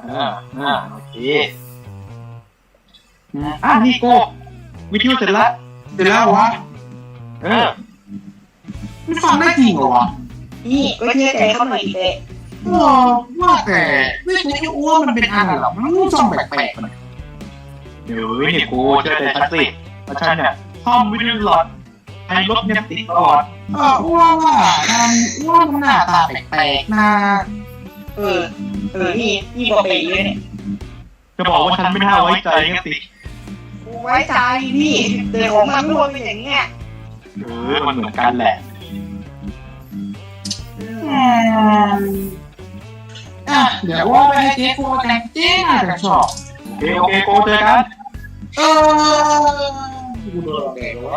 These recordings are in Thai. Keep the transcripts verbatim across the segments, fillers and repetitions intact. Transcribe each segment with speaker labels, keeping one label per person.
Speaker 1: อ่าอ่าโอเคอ่านี่โก้วิทยุเสร็จแล้วเสร็จแล้ววะเออมันฟังได้จริงเหรอวะ
Speaker 2: นี่ก็เชื่อใจเขาหน่อยเด็ก
Speaker 1: ว้าว่าแต่วิทยุอ้วนมันเป็นอะไรหรอมันรู้ช่องแปลกๆมันเดี๋ยวนี่กูเชื่อใจฉันสิเพราะฉันเนี่ยซ่อมวิทยุหลอดไอ้รถเนี่ยติดตลอดเอออ้วนว่าการอ้วนมันหน้าตาแปลกๆนะ
Speaker 2: เออเออนี่นี่บอกไปเลยเนี่ย
Speaker 1: จะบอกว่าฉันไม่น่าไว้ใจกันสิ
Speaker 2: ไว้ใจพี่แต่ของมันไม่ควรเป็นอย่างเงี้ย
Speaker 1: เออมันเหมือนกันแหละอ่ะเดี๋ยวว่าไปให้เจ๊โกแต่งเจ๊น่าจะชอบโอเคโอเคโกเจอกันเออกูโดนแดดวะ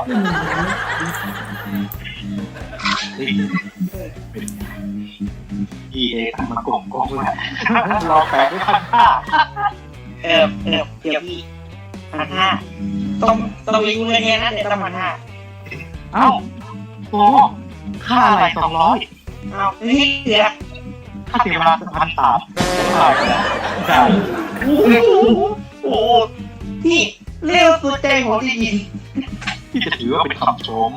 Speaker 1: พี่เอทำมากงกงเลยรอแปดด้วยพันห้า
Speaker 2: เออเออเดี๋ยวพี่พันห้าต้องต้องมีเงินเงี้ยนะเดี๋ยวต้องพันห้า
Speaker 1: เอ้าโอ้ค่าอะไรสองร้อย
Speaker 2: เอ้านี่เหลือ
Speaker 1: ค่าเสียเวลาพันสามใช่ใช่
Speaker 2: โอ้พี่เร็วสุดใจผมจริง
Speaker 1: ที่จะถือว่าเป็นคำชม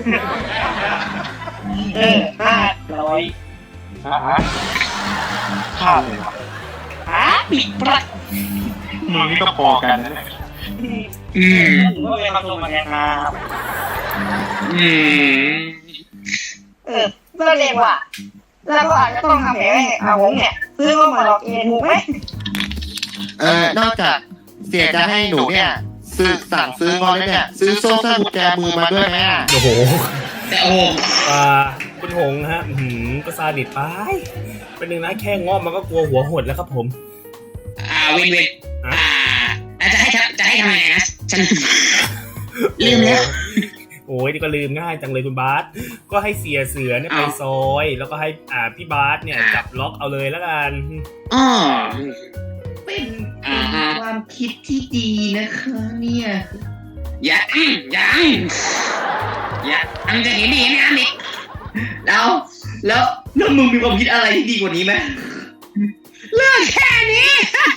Speaker 2: เออห้าร้อย
Speaker 1: ฮะค่าเลยวะ
Speaker 2: ฮะปิดประ
Speaker 1: มึงนี่ก็พอกันนะเนี่ย
Speaker 2: อืมก็เป็นคำชมเหมือนกันครับ
Speaker 1: อืม
Speaker 2: เออก็เรียกว่าแล้วก็อาจจะต้องทำแผลให้อาหงเนี่ยซื้อมาหลอกเองถูกไหม
Speaker 3: เออนอกจากเสียจะให้หนูเนี่ยซื้อสั่งซื้องอนแล้วเนี่ยซื้อโซ่สกุญแจมือมาด้วยไหมอ่ะ
Speaker 4: โอ้โห
Speaker 2: แต่โอ้
Speaker 4: อ่าคุณหงฮะหืมก็ซาดิสไปเป็นหนึ่งนะแค่งอมันก็กลัวหัวหดแล้วครับผม
Speaker 2: อ่าวินวินอ่าจะให้จะให้ทำยังไงนะฉันลืมแล้ว
Speaker 4: โอ้ยนี่ก็ลืมง่ายจังเลยคุณบาสก็ให้เสียเสือเนี่ยไปซอยแล้วก็ให้อ่าพี่บาสเนี่ยจับล็อกเอาเลยแล้วกัน
Speaker 2: อ๋อเป็นความคิดที่ดีนะคะเนี่ยอย่าอย่าอย่าอันจะเห็นดีนะนี่แล้วแล้วแล้วมึงมีความคิดอะไรที่ดีกว่านี้ไหมเรื่องแค่นี้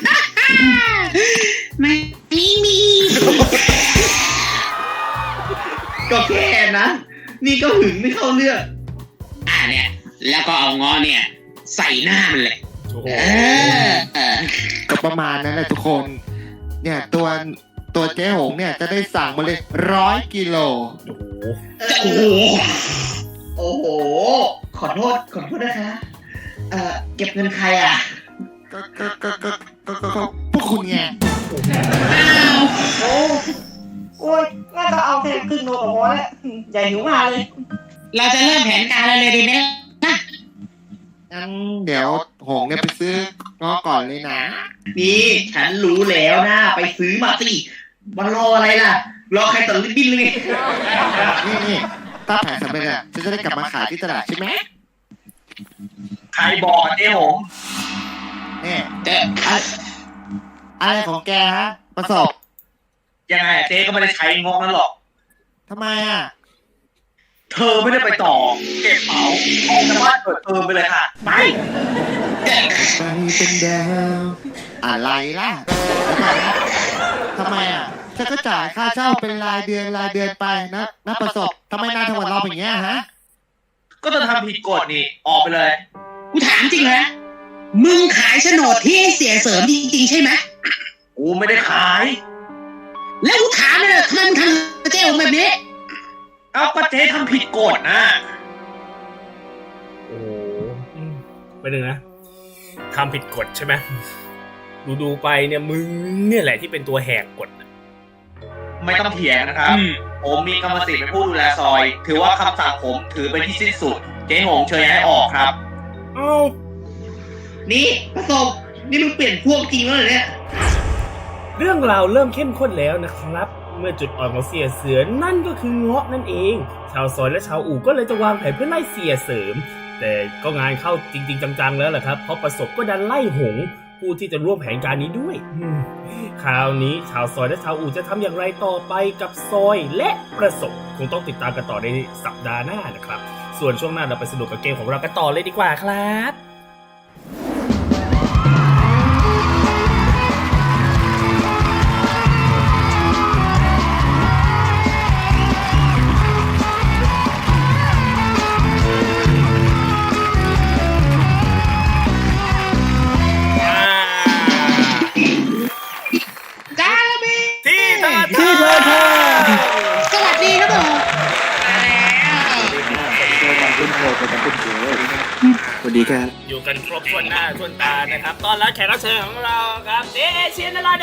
Speaker 2: ไม่มีก็แค่นะนี่ก็หึงไม่เข้าเรื่องอ่าเนี่ยแล้วก็เอาง้อเนี่ยใส่หน้ามันเลยเออ
Speaker 3: ก็ประมาณนั้นแหละทุกคนเนี่ยตัวตัวเจ๊หงเนี่ยจะได้สั่งมาเลยร้อยกิโล
Speaker 2: โอ้โหโอ้โหขอโทษขอโทษนะคะเอ่อเก็บเงินใครอ่ะ
Speaker 3: ก็ก็ก็ก็ก็ก็พวกคุณไง
Speaker 2: อ้าวโอ้โอ้ยน่าจะเอาแค่ครึ่งโลกับหัวแล้วใหญ่หิวมาเลยเราจะเริ่มแผนการอะไรเลยดีไหมนะ
Speaker 3: งั้นเดี๋ยวหงเนี่ยไปซื้อง้อก่อนเลยนะ
Speaker 2: นี่ฉันรู้แล้วนะไปซื้อมาสิมันรออะไรล่ะรอใครตัดลิ้นบิ้นเลย
Speaker 3: นี่นี่ถ้าแผนสำเร็จอ่ะฉันจะได้กลับมาขายที่ตลาดใช่ไหม
Speaker 1: ใครบอกเจ๊หง
Speaker 3: เนี่ยอะไรของแกฮะประสบ
Speaker 1: ยังไงเจ๊ก็ไม่ได้ใช้งอกนั้นหรอก
Speaker 3: ทำไมอ่ะ
Speaker 1: เธอไม่ได้ไปต่อเก็บเป๋าออกจากบ้านเปิดเทอมไปเลยค่ะไป
Speaker 3: ไปเป็นดาวอะไรล่ะทำไมอ่ะฉันก็จ่ายค่าเช่าเป็นรายเดือนรายเดือนไปนะนะประสบทำไมนายทำกับเราอย่างเงี้ยฮะ
Speaker 1: ก็จะทำผิดกฎนี่ออกไปเลย
Speaker 2: กูถามจริงนะมึงขายโฉนดที่ให้เสียเสริมจริงๆใช่ไหม
Speaker 1: กูไม่ได้ขาย
Speaker 2: แล้วกูถามเลยทำไมมึงทำเจ๊แบบนี้
Speaker 1: เอาก็เจ๊ทำผิดกฎนะ
Speaker 4: โอ้ไปหนึ่งนะทำผิดกฎใช่ไหมดูดูไปเนี่ยมึงเนี่ยแหละที่เป็นตัวแหกกฎ
Speaker 1: ไม่ต้องเถียงนะครับผมมีกรรมสิทธิ์เป็นผู้ดูแลซอยถือว่าคำสั่งผมถือเป็นที่สิ้นสุดเจ๊หงเชิญย้ายออกครับ
Speaker 4: เอ้า
Speaker 2: นี่ประสบนี่มึงเปลี่ยนพวกจริงแล้วเหรอเนี่ย
Speaker 4: เรื่องราวเริ่มเข้มข้นแล้วนะครับเมื่อจุดอ่อนของเสียเสือนั่นก็คือเงาะนั่นเองชาวซอยและชาวอู่ก็เลยจะวางแผนเพื่อไล่เสียเสริมแต่ก็งานเข้าจริงๆจังๆแล้วแหละครับเพราะประสบก็ดันไล่หงผู้ที่จะร่วมแผนการนี้ด้วยคราวนี้ชาวซอยและชาวอู่จะทำอย่างไรต่อไปกับซอยและประสบคงต้องติดตามกันต่อในสัปดาห์หน้านะครับส่วนช่วงหน้าเราไปสนุกกับเกมของเรากันต่อเลยดีกว่าครับกันครบถ้วนหน้าถ้วนตานะครับตอนรับแขกรับเชิญของเราครับเจเอเชียนราโด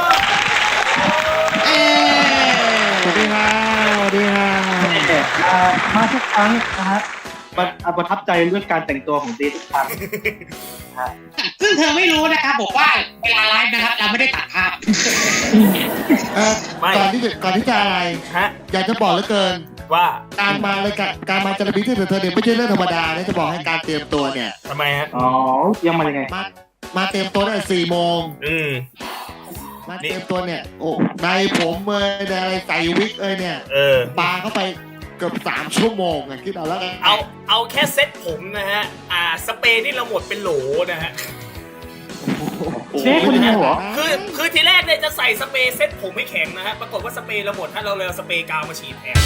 Speaker 3: สวัสดีครับสวัสดีครับ
Speaker 1: มาทุกครั้งนะฮะประทับใจเรื่องการแต่งตัวของเจทุกครั้ง
Speaker 2: ซึ่งเธอไม่รู้นะครับบอกว่าเวลาไลฟ์นะครับเราไม่ได้ตัดภาพ
Speaker 3: เอ่อก่อนที่จะก่อนที่จะอะไร
Speaker 4: ฮะ
Speaker 3: อยากจะบอกเหลือเกิน
Speaker 4: ว่า
Speaker 3: การมาเลยการการมาจารบิที่เธอเธอเนี่ยไม่ใช่เรื่องธรรมดานะจะบอกให้การเตรียมตัวเนี่ย
Speaker 4: ทำไมฮะ
Speaker 1: อ๋อยังมายังไง
Speaker 3: มามาเตรียมตัวตั้งแต่สี่โมง
Speaker 4: อืม
Speaker 3: มาเตรียมตัวเนี่ยโอ้ในผมเอ้ยในอะไรใส่วิกเอ้ยเนี่ย
Speaker 4: เออ
Speaker 3: ปาเข้าไปเกือบสามชั่วโมงอะคิดเอาแล้วกัน
Speaker 4: เอาเอาแค่เซ็ตผมนะฮะอ่าสเปรย์นี่เราหมดเป็นโหลนะฮะ
Speaker 1: เจ๊คนเดียวเหรอ
Speaker 4: คือคือทีแรกเนี่ยจะใส่สเปรย์เซ็ตผมให้แข็งนะฮะปรากฏว่าสเปรย์เราหมดถ้าเราเลยเอาสเปรย์กาวมาฉีดแทน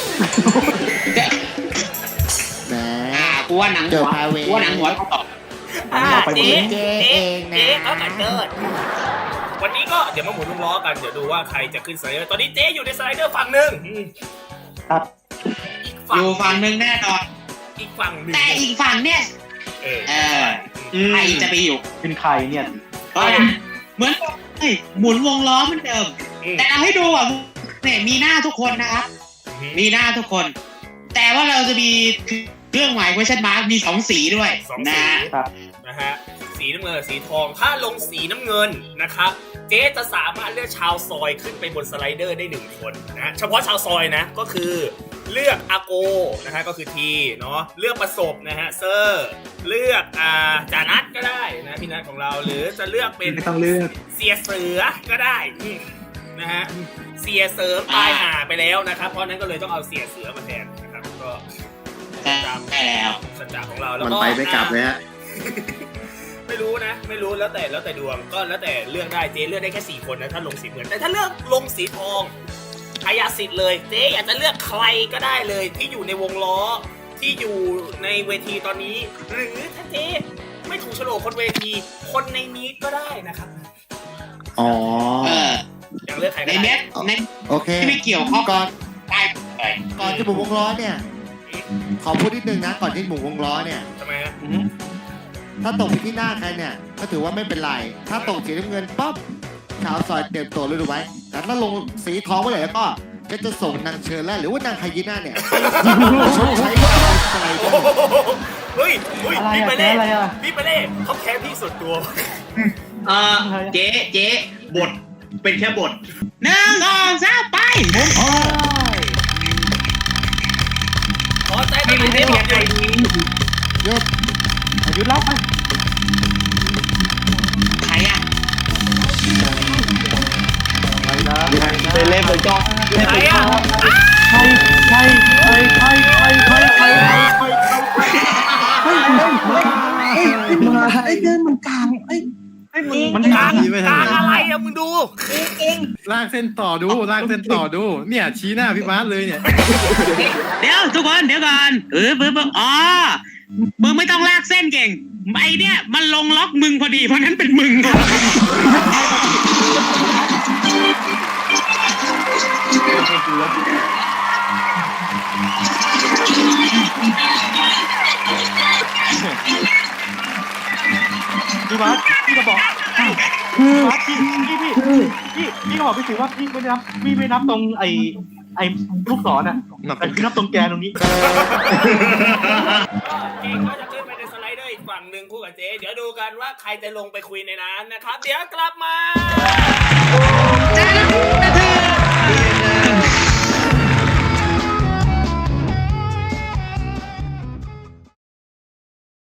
Speaker 3: แหม
Speaker 2: อ่ากูว่าหนัง
Speaker 3: เจ
Speaker 2: หั
Speaker 3: อ
Speaker 2: ว
Speaker 3: พาเว
Speaker 2: กูว่าหนังหัวเขาตอบ
Speaker 4: อ่าเจ๊
Speaker 3: เจ๊
Speaker 4: เจ๊
Speaker 3: เองนะ
Speaker 4: เจ๊เขาแต่เกิดวันนี้ก็เดี๋ยวมาหมุนวงล้อกันเดี๋ยวดูว่าใครจะขึ้นสไลเดอร์ตอนนี้เจ๊อยู่ในสไลเดอร์ฝั่งหนึ่งอืม
Speaker 1: ครับ
Speaker 4: อีก
Speaker 2: อ
Speaker 4: ฝั่ง
Speaker 2: ยู่ฝั่งหนึ่งแน่นอน
Speaker 4: อีกฝั่งหนึ่ง
Speaker 2: แต่อีกฝั่งเนี่ย
Speaker 4: เออ
Speaker 2: เออใครจะไปอยู่
Speaker 1: เป็นใครเนี่ย
Speaker 2: ก็เหมือนเฮ้ยหมุนวงล้อเหมือนเดิม
Speaker 4: อืม
Speaker 2: แต่เราให้ดูอ่ะเนี่ยมีหน้าทุกคนนะครับ มีหน้าทุกคน แต่ว่าเราจะมีเครื่องหมาย question mark มีสองสีด้วย
Speaker 4: สอง
Speaker 2: นะ
Speaker 4: สี
Speaker 1: ครับ
Speaker 4: นะฮะสีน้ำเงินกับสีทองถ้าลงสีน้ำเงินนะครับเจ๊จะสามารถเลือกชาวซอยขึ้นไปบนสไลเดอร์ได้หนึ่งคนนะเฉพาะชาวซอยนะก็คือเลือกอาโกนะฮะก็คือทีเนาะเลือกประสบนะฮะเซอร์เลือกอ่าจานัทก็ได้นะพี่นัทของเราหรือจะเลือกเป็น
Speaker 1: ไม่ต้องเลือก
Speaker 4: เสียเสือก็ได้อืมนะฮะเสียเสริมตายหาไปแล้วนะครับเพราะนั้นก็เลยต้องเอาเสียเสือมาแทนนะครับก็
Speaker 2: ใช่แล้ว
Speaker 4: สัจจะของเราแล้ว
Speaker 3: มัน
Speaker 4: ก็
Speaker 3: ไปไม่กลับเลยฮะ
Speaker 4: ไม่รู้นะ ไม่รู้แล้วแต่แล้วแต่ดวงก็แล้วแต่เลือกได้เจ๊เลือกได้แค่สี่คนนะถ้าลงสีเหมือนแต่ถ้าเลือกลงสีทองอายาสิทธิ์เลยเจ๊อยากจะเลือกใครก็ได้เลยที่อยู่ในวงล้อที่อยู่ในเวทีตอนนี้ หรือถ้าเจ๊ไม่ถูกโฉลกคนเวทีคนในมีดก็ได้นะครับ
Speaker 3: อ๋อ
Speaker 2: เออ
Speaker 4: อยากเลือกใครก็
Speaker 2: ใน
Speaker 4: ได้
Speaker 2: เม็ดใน
Speaker 3: โอเค
Speaker 2: ที่ไม่เกี่ยวข้อง
Speaker 3: ก่อน
Speaker 2: ได้เลย
Speaker 3: ก่อนจะหมุนวงล้อเนี่ย ขอพูดนิดนึงนะ ก่อนที่หมุนวงล้อเนี่ย
Speaker 4: ทำไมฮะ
Speaker 3: ถ้าตกไปที่หน้าใครเนี่ย ก็ถือว่าไม่เป็นไร ถ้าตกสีน้ำเงินปั๊บชาวซอยเตรียมตัวเลยดูไว้ แต่ถ้าลงสีทองไว้เลยแล้วก็ก็จะส่งนางเชิญแล้วหรือว่านางไฮยีน่าเนี่ยชดใช้กับสไลเดอร์
Speaker 4: เฮ้ยเฮ้ย
Speaker 1: อะไร
Speaker 4: พี่
Speaker 1: อะ
Speaker 4: ไปเล่
Speaker 1: อะไรอะ
Speaker 4: พี่ไปเล่เขาแค้นพี่ส่วนตัว
Speaker 2: เออเจ๊เจ๊บทเป็นแค่บทหนึ่งสองสามไป
Speaker 4: ขอใจไม่รู้ได้บอกเลย
Speaker 3: หยุด
Speaker 1: อายุเล่าไป
Speaker 2: ใครอ่ะ
Speaker 1: ไปนะไปเล่นไปจ้อง
Speaker 4: ใครอ่ะ
Speaker 1: ใครใครใครใครใครใครใครใครใครมาไอ้เดินมันกลางไอ้ไอ้มันมัน
Speaker 4: กลางกลางอะไรอะมึงดู
Speaker 5: ลากเส้นต่อดูลากเส้นต่อดู เนี่ยชี้หน้าพี่บาสเลยเนี่ย
Speaker 2: เดี๋ยวทุกคนเดี๋ยวก่อนเออเพิ่มอ๋อมึงไม่ต้องลากเส้นเก่งไอเนี่ยมันลงล็อกมึงพอดีเพราะนั้นเป็นมึง
Speaker 1: พี่วัดพี่ก็บอกคือพี่พี่พี่พี่พี่ก็บอกพี่สิว่าพี่ไม่นับพี่ไม่นับตรงไอ้ไอ้ลูกศรน่ะแต่พี่นับตรงแกนตรงนี้
Speaker 4: ก็เองก็จะขึ้นไปในสไลเดอร์อีกฝั่งหนึ่งคู่กับเจ๊เดี๋ยวดูกันว่าใครจะลงไปคุยในนั้นนะครับ เดี๋ยวกลับมา
Speaker 2: จ้า